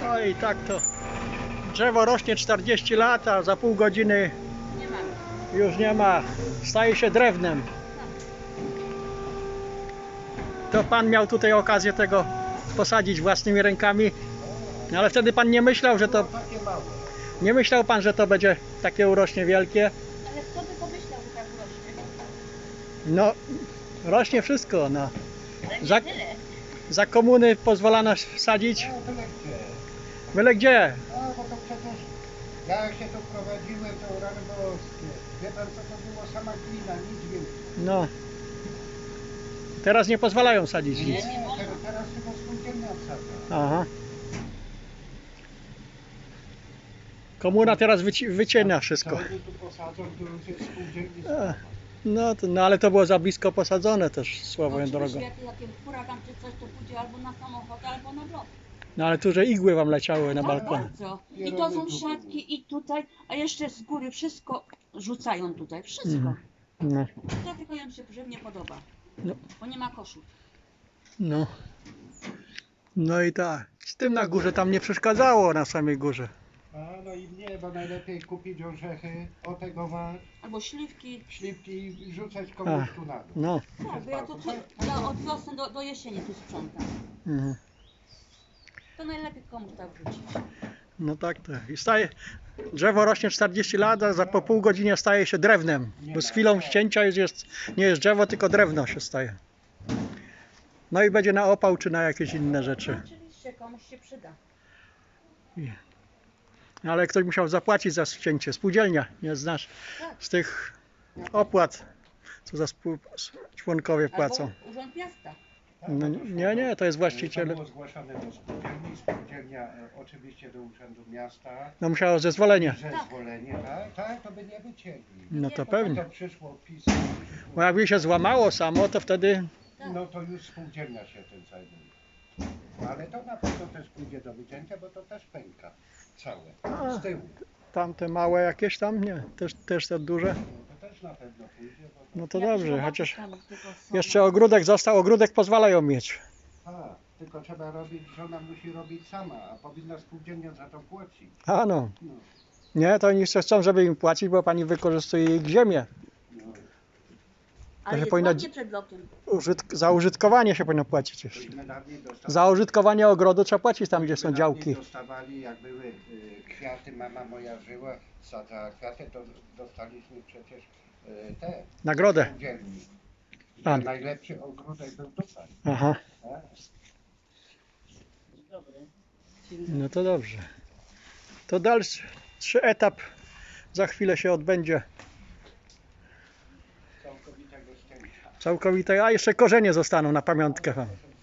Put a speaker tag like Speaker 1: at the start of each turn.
Speaker 1: No i tak to drzewo rośnie 40 lat, a za pół godziny
Speaker 2: Nie mamy.
Speaker 1: już nie ma, staje się drewnem. To pan miał tutaj okazję tego posadzić własnymi rękami, no ale wtedy pan nie myślał, że to... Nie myślał pan, że to będzie takie urośnie wielkie?
Speaker 2: Ale kto by pomyślał, że tak rośnie?
Speaker 1: No, rośnie wszystko, no.
Speaker 2: Ale nie
Speaker 1: Za-
Speaker 2: tyle.
Speaker 1: Za komuny pozwalano sadzić?
Speaker 3: No byle gdzie.
Speaker 1: Byle gdzie?
Speaker 3: No bo to przecież jak się tu prowadziłem, to rany boskie. Wie pan co to było? Sama glina, nic więcej.
Speaker 1: No. Teraz nie pozwalają sadzić
Speaker 3: Nie,
Speaker 1: nic.
Speaker 3: teraz chyba spółdzielnia odsadza.
Speaker 1: Aha. Komuna teraz wycina wszystko.
Speaker 3: Co oni tu posadzą, to już jest spółdzielni
Speaker 1: E,
Speaker 3: sprawa.
Speaker 1: No ale to było za blisko posadzone też, słową
Speaker 2: No,
Speaker 1: drogą.
Speaker 2: jak huragan czy coś, to pójdzie albo na samochód, albo na blok.
Speaker 1: No ale tu, że igły wam leciały na
Speaker 2: Tak,
Speaker 1: balkon.
Speaker 2: bardzo. I to są siatki i tutaj, a jeszcze z góry wszystko rzucają tutaj, wszystko.
Speaker 1: Mhm. No,
Speaker 2: Dlatego im się nie podoba,
Speaker 1: No.
Speaker 2: bo nie ma koszu.
Speaker 1: no. No i tak. Z tym na górze tam nie przeszkadzało, na samej górze.
Speaker 3: A no i nie, bo najlepiej kupić orzechy, otegować,
Speaker 2: Albo śliwki.
Speaker 3: śliwki i rzucać komuś tu na dół.
Speaker 1: No.
Speaker 2: Tak, bo ja od wiosny do jesieni tu sprzątam.
Speaker 1: Mhm.
Speaker 2: To najlepiej komuś tak wrzucić.
Speaker 1: No tak to. I staje, drzewo rośnie 40 lat, a za po pół godzinie staje się drewnem. Bo z chwilą ścięcia nie jest drzewo, tylko drewno się staje. No i będzie na opał czy na jakieś inne rzeczy.
Speaker 2: Oczywiście komuś się przyda.
Speaker 1: Ale ktoś musiał zapłacić za ścięcie. Spółdzielnia, nie znasz z tych opłat, co za członkowie płacą.
Speaker 2: Albo Urząd Miasta.
Speaker 1: No, nie, to jest właściciel.
Speaker 3: To było zgłaszane do spółdzielni, spółdzielnia oczywiście do Urzędu Miasta.
Speaker 1: No musiało zezwolenie.
Speaker 3: Zezwolenie, tak, to by nie wycięli.
Speaker 1: No to
Speaker 3: To
Speaker 1: pewnie.
Speaker 3: przyszło pismo.
Speaker 1: Bo jakby się złamało samo, to wtedy...
Speaker 3: No to już spółdzielnia się tym zajmuje. Ale to na pewno też pójdzie do wycięcia, bo to też pęka całe, z tyłu.
Speaker 1: Tamte małe jakieś tam, nie, też te duże.
Speaker 3: No to też na pewno pójdzie, bo to...
Speaker 1: No to
Speaker 2: Jak
Speaker 1: dobrze,
Speaker 2: zobaczysz
Speaker 1: chociaż
Speaker 2: tam tylko są-
Speaker 1: jeszcze ogródek został, ogródek pozwalają mieć.
Speaker 3: Tylko trzeba robić, żona musi robić sama, a powinna spółdzielnia za to płacić.
Speaker 1: A no,
Speaker 3: No,
Speaker 1: nie, to oni jeszcze chcą, żeby im płacić, bo pani wykorzystuje ich ziemię.
Speaker 3: no.
Speaker 2: Ale
Speaker 1: się
Speaker 2: jest
Speaker 1: powinno-
Speaker 2: ładnie przed blokiem.
Speaker 1: Za użytkowanie się powinno płacić jeszcze.
Speaker 3: Myśmy dawniej dostawali,
Speaker 1: Za użytkowanie ogrodu trzeba płacić tam, gdzie są
Speaker 3: myśmy
Speaker 1: działki.
Speaker 3: dawniej dostawali, jak były kwiaty, mama moja żyła, sadzała kwiaty, to dostaliśmy przecież te
Speaker 1: Nagrodę.
Speaker 3: spółdzielni.
Speaker 1: A.
Speaker 3: Najlepszy ogródek był tutaj.
Speaker 1: Aha,
Speaker 3: Tak?
Speaker 1: no to dobrze. To dalszy etap za chwilę się odbędzie.
Speaker 3: Całkowitego ścięcia.
Speaker 1: Całkowite, a jeszcze korzenie zostaną na pamiątkę wam.